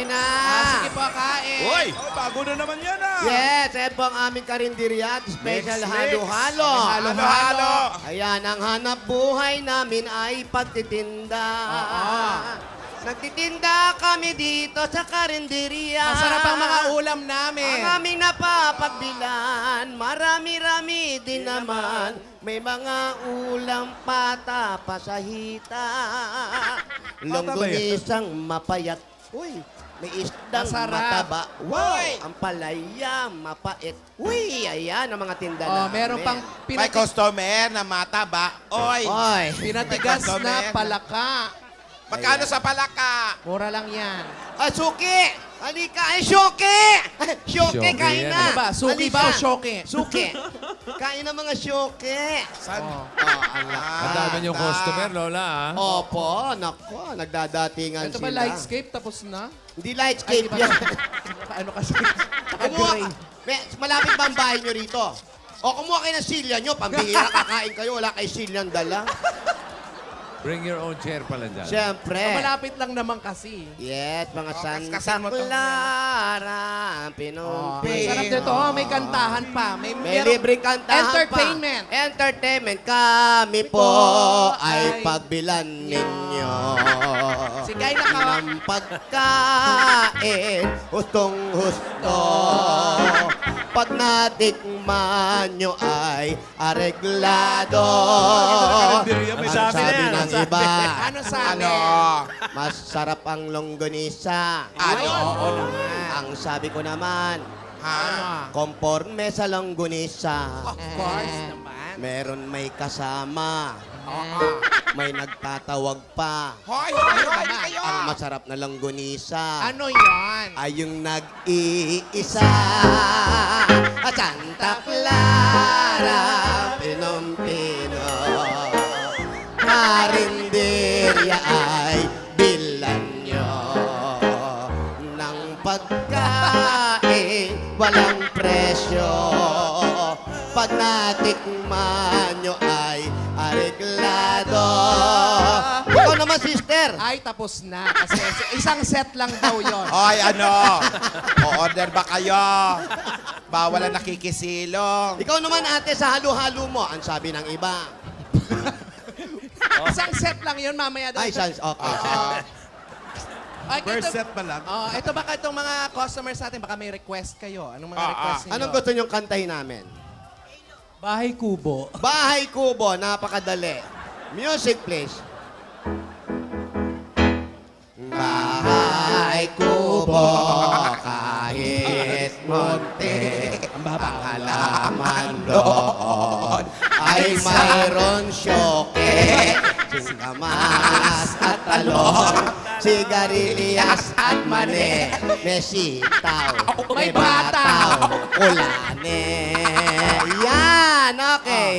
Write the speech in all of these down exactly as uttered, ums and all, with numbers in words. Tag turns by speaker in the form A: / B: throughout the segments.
A: kain na.
B: Ah, sige po, kain.
C: Uy! Oh, bago na naman yan ah!
A: Yes, yan po ang aming karinderya at special
C: Mix, mix.
A: halo-halo.
C: Halo-halo!
A: Ayan, ang hanap buhay namin ay pagtitinda.
B: Oo.
A: Nagtitinda kami dito sa karinderya.
B: Masarap ang mga ulam namin.
A: Ang aming napapagbilan, marami-rami din naman. May mga ulam pata, pasahita. Longganisang mapayat. Uy, may isdang
B: Masarap.
A: mataba. Wow,
B: Uy!
A: ang palaya, mapait. Uy, ayan ang mga tinda
B: Oh,
A: namin.
B: meron pang
C: May
B: pinati-
C: customer na mataba. Oy!
A: Oy,
B: pinatigas
C: May
B: na
C: customer.
B: palaka.
C: Magkano sa palaka?
B: Mura lang yan.
A: ah, suki! Halika, ay, syoke! Syoke,
D: Syoke
A: kain
D: yan.
A: na.
B: Ano ba? Suki ba o
A: Halika.
B: syoke?
A: Suki. Kain na mga syoke.
C: San?
B: Oh.
A: Oh, ang
C: Ah,
D: Ang dami niyong
C: ta-
D: customer, Lola, ah.
A: Opo, nako, nagdadatingan
B: Ito
A: sila.
B: ba lightscape tapos na?
A: Hindi
B: Ay,
A: lightscape
B: di ba?
A: yan.
B: ano kasi?
A: Kumuha ka. May, malapit ba ang bahay nyo rito? O kumuha kayo ng silya nyo, pambihira kakain kayo, wala kayo silyang dala.
D: Bring your own chair pala dyan.
A: Siyempre.
B: Malapit lang naman kasi.
A: Yes, mga
C: Oh,
A: Santa
C: kaskasin mo to.
A: Clara,
B: Oh,
A: pinumpi.
B: sarap nito. Oh, may kantahan pa. May,
A: May
B: merong
A: libreng kantahan
B: entertainment.
A: pa. Entertainment. Kami po ay
B: ay
A: pagbilan ninyo.
B: Si Guy naka-
A: Ng pagkain, hustong-husto. Pag natikman nyo ay areglado.
C: May
A: Ang
C: sabi na
A: sabi
C: yan,
A: ng
C: ang sabi.
A: iba,
B: Ano sabi?
C: Ano?
A: masarap ang longganisa.
C: Ano?
B: Oo naman.
A: Ang sabi ko naman,
C: Ha?
A: konforme sa longganisa.
B: Of course naman.
A: Meron may kasama.
B: Oo.
A: May nagtatawag pa.
C: Hoy! Hoy! Hoy! Kayo!
A: Ang masarap na longganisa
B: Ano yan?
A: ay yung nag-iisa. At Santa Clara, Pinompino. Karinderya ay bilan nyo ng pagkain, walang presyo. Pag natikman nyo ay areglado. Ikaw naman, sister.
B: Ay, tapos na. Kasi isang set lang daw yon.
C: Hoy, ano? O-order ba kayo? Bawal ang nakikisilong.
A: Ikaw naman, ate, sa halo-halo mo, ang sabi ng iba.
B: Isang set lang yon mamaya daw.
A: Ay, sans, okay.
C: Ah,
B: Ay,
C: first
B: ito-
C: set pa lang.
B: Oh, ito baka itong mga customers natin, baka may request kayo. Anong mga
C: Ah,
B: request
C: ah.
B: niyo?
A: Anong gusto niyong kantahin namin?
B: Bahay Kubo.
A: Bahay Kubo, napakadali. Music, please. Bahay Kubo, kahit munti, ang halaman doon ay mayroon syoke, singkamas at talong, sigarilyas at mani, may sitaw, may
B: May bataw.
A: bataw, ulane. Yan, okay.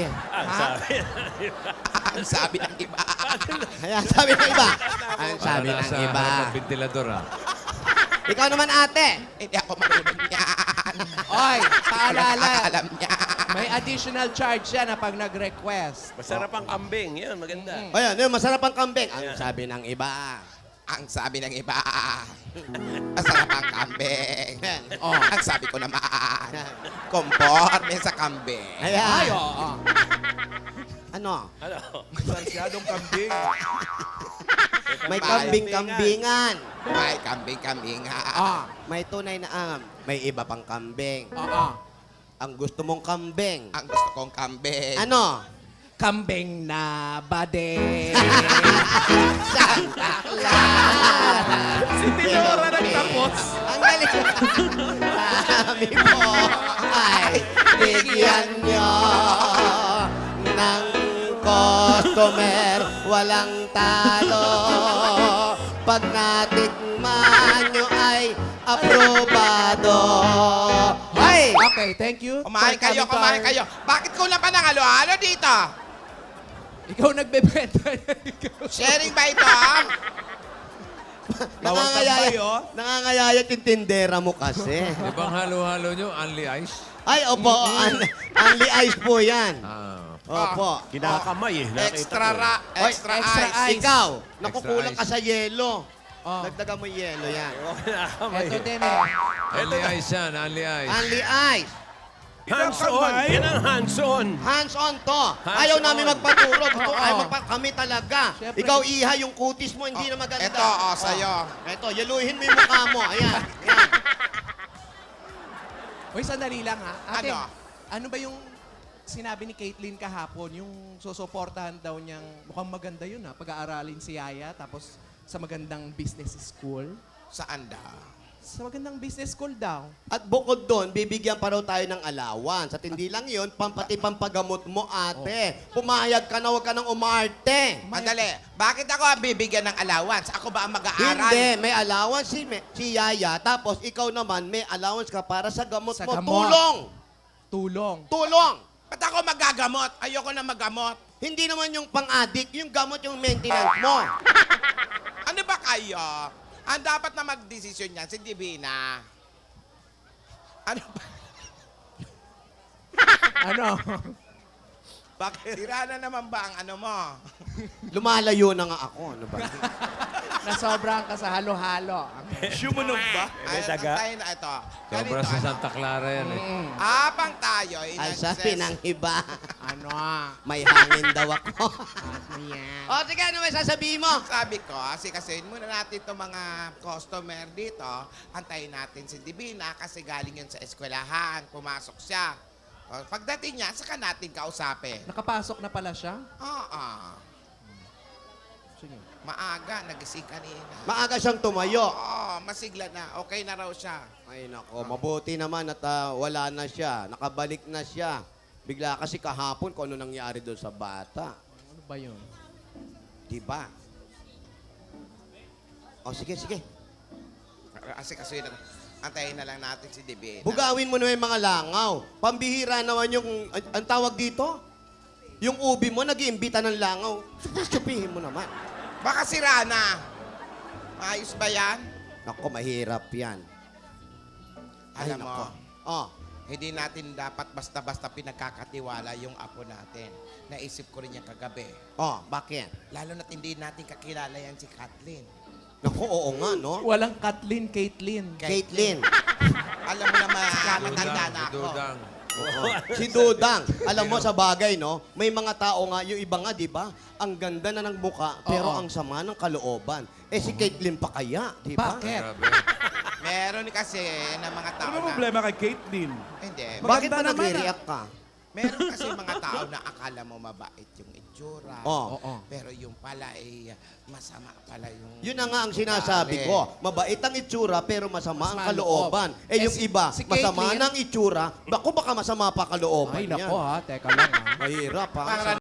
C: Ang sabi ng iba.
A: Ayan, sabi ng iba. Ang sabi
D: Para
A: ng
D: nasa
A: iba.
D: harap ng ventilador, ah.
A: Ikaw naman, ate.
C: Hindi ako marunong yan.
B: Oy, paalala.
C: Alam niya.
B: May additional charge yan na pag nag-request.
E: Masarap ang kambing. Yan, maganda.
A: Ayan, yun, masarap ang kambing. Ang sabi ng iba.
C: Ang sabi ng iba. Masarap ang kambing.
B: Oh.
C: Ang sabi ko naman. Conforme sa kambing.
B: Ay,
A: Ayan.
B: oo.
A: Ano?
E: Ano?
C: Masyadong kambing.
A: May kambing-kambingan.
C: May kambing-kambing nga.
B: Ah,
A: May tunay na am. May iba pang kambing.
B: oo.
A: Ang gusto mong kambing.
C: Ang gusto kong kambing.
A: Ano?
B: Kambing na bade.
A: Santa Clara.
E: Si Tinora nagtapos.
A: Ang galing. Sabi mo ay bigyan nyo ng customer, walang talo. Pag natikman nyo ay aprobado. Ay!
B: Okay, thank you.
C: Kumain
B: for
C: kayo,
B: coming to
C: kumain
B: our-
C: kayo. Bakit kulang pa ng halo-halo dito?
B: Ikaw nagbebenta.
C: Sharing ba ito?
A: Nangangayayat, nangangayayat yung tindera mo kasi.
D: Di bang halo-halo nyo, only ice?
A: Ay, opo, un- only ice po yan.
D: Ah.
A: Opo.
E: Kinakamay eh. Nakita
C: Extra
E: ko.
C: ra,
A: Oy,
C: extra,
B: extra
C: ice.
B: ice.
A: Ikaw,
D: Extra
A: nakukulang ka
D: ice.
A: sa yelo.
B: Oh.
A: Dagdagan mo yung yelo yan.
B: Ito din eh.
D: Only ice yan, only ice.
A: Only ice.
E: Hands-on! Yan ang hands-on!
A: Hands-on to.
E: Hands
A: Ayaw
E: on.
A: namin magpaturo. Gusto,
B: Oo.
A: ayaw magpa- kami talaga.
B: Siyempre.
A: Ikaw, Iha, yung kutis mo, hindi na maganda.
C: Ito, oh, sa'yo.
A: Ito, yaluhin mo yung mukha mo. Ayan. Ayan.
B: Uy, sandali lang ha. Ate,
C: Ano?
B: ano ba yung sinabi ni Caitlyn kahapon? Yung susuportahan daw niyang, mukhang maganda yun ha, pag-aaralin si Yaya, tapos sa magandang business school.
C: Saan da?
B: Sa magandang business school daw.
A: At bukod doon, bibigyan pa raw tayo ng allowance. At hindi lang yun, pampati pampagamot mo, ate. Pumayag ka na, huwag ka nang umarte.
C: Madali. Bakit ako ang bibigyan ng allowance? Ako ba ang mag-aaral?
A: Hindi, may allowance si, me- si Yaya. Tapos ikaw naman, may allowance ka para sa gamot
B: Sa
A: mo.
B: gamot.
A: Tulong!
B: Tulong.
A: Tulong!
C: Ba't ako magagamot? Ayoko na magamot.
A: Hindi naman yung pang-addict, yung gamot yung maintenance mo.
C: Ano ba kayo? Ang dapat na magdesisyon niyan, si Divina. Ano ba?
B: Ano?
C: Bakit? Sira na naman ba ang ano mo?
A: Lumalayo na nga ako. Ano ba?
B: Nasobrahan ka sa halo-halo.
E: Sumunog ba?
C: Ay,
E: daga?
C: tayo na ito.
D: Sobra
C: Ganito,
D: sa
C: ano?
D: Santa Clara yan eh.
B: Mm.
C: Habang tayo ay
A: Ay,
C: nagses-
A: sabi ng iba.
B: Ano ah?
A: May hangin daw ako.
B: Ano yan?
A: o, sige, ano may sasabihin mo?
C: Sabi ko, sikasuin muna natin itong mga customer dito. Antayin natin si Divina kasi galing yun sa eskwelahan. Pumasok siya. O, pagdating niya, saka natin kausapin.
B: Nakapasok na pala siya?
C: Oo.
B: Sige.
C: Maaga, nagising kanina.
A: Maaga siyang tumayo.
C: Oo, masigla na. Okay na raw siya.
A: Ay, nako, mabuti naman at ah, wala na siya. Nakabalik na siya. Bigla kasi kahapon kung ano nangyari doon sa bata.
B: Ano ba yun?
A: Di ba? O, sige, sige.
C: Kasi kasi antayin na lang natin si Divina.
A: Bugawin mo na yung mga langaw. Pambihira naman yung, an- ang tawag dito? Yung ubi mo, nag-iimbita ng langaw. Supihin mo naman.
C: Baka sira na. Maayos ba yan?
A: Nako, mahirap yan. Ay,
C: Alam mo,
A: nako. Oh,
C: hindi natin dapat basta-basta pinagkakatiwala yung apo natin. Naisip ko rin yan kagabi.
A: oh, bakit?
C: Lalo na't hindi natin kakilala yan si Kathleen.
A: Naku, oo nga, no?
B: Walang Kathleen, Caitlyn.
A: Caitlyn.
C: Alam mo naman, matanda na
D: Si
C: ako.
D: Dudang.
A: Oo. Si Dudang. Alam mo, sa bagay, no? May mga tao nga, yung iba nga, di ba? Ang ganda na ng muka, pero
B: Oo.
A: ang sama ng kalooban. Eh, si Caitlyn pa kaya, di ba?
B: Bakit?
D: Grabe.
C: Meron kasi na mga tao
E: Ano ba
C: na...
E: problema kay Caitlyn?
C: Hindi.
A: Bakit ba
E: Maganda naman,
A: nagre-react ka?
C: Meron kasi mga tao na akala mo mabait yung itsura.
A: Oo.
B: Oo.
C: Pero yung pala ay masama pala yung...
A: Yun na nga ang sinasabi
C: ugali.
A: ko. Mabait ang itsura, pero masama ang
B: Masama ang
A: kalooban.
B: loob.
A: Eh,
B: Eh,
A: yung
B: si-
A: iba,
B: si
A: masama
B: Caitlyn-
A: ng itsura, bako baka masama pa kalooban
B: Ay,
A: niya.
B: nako ha. Teka lang ha.
A: Mahirap, ha?
C: Para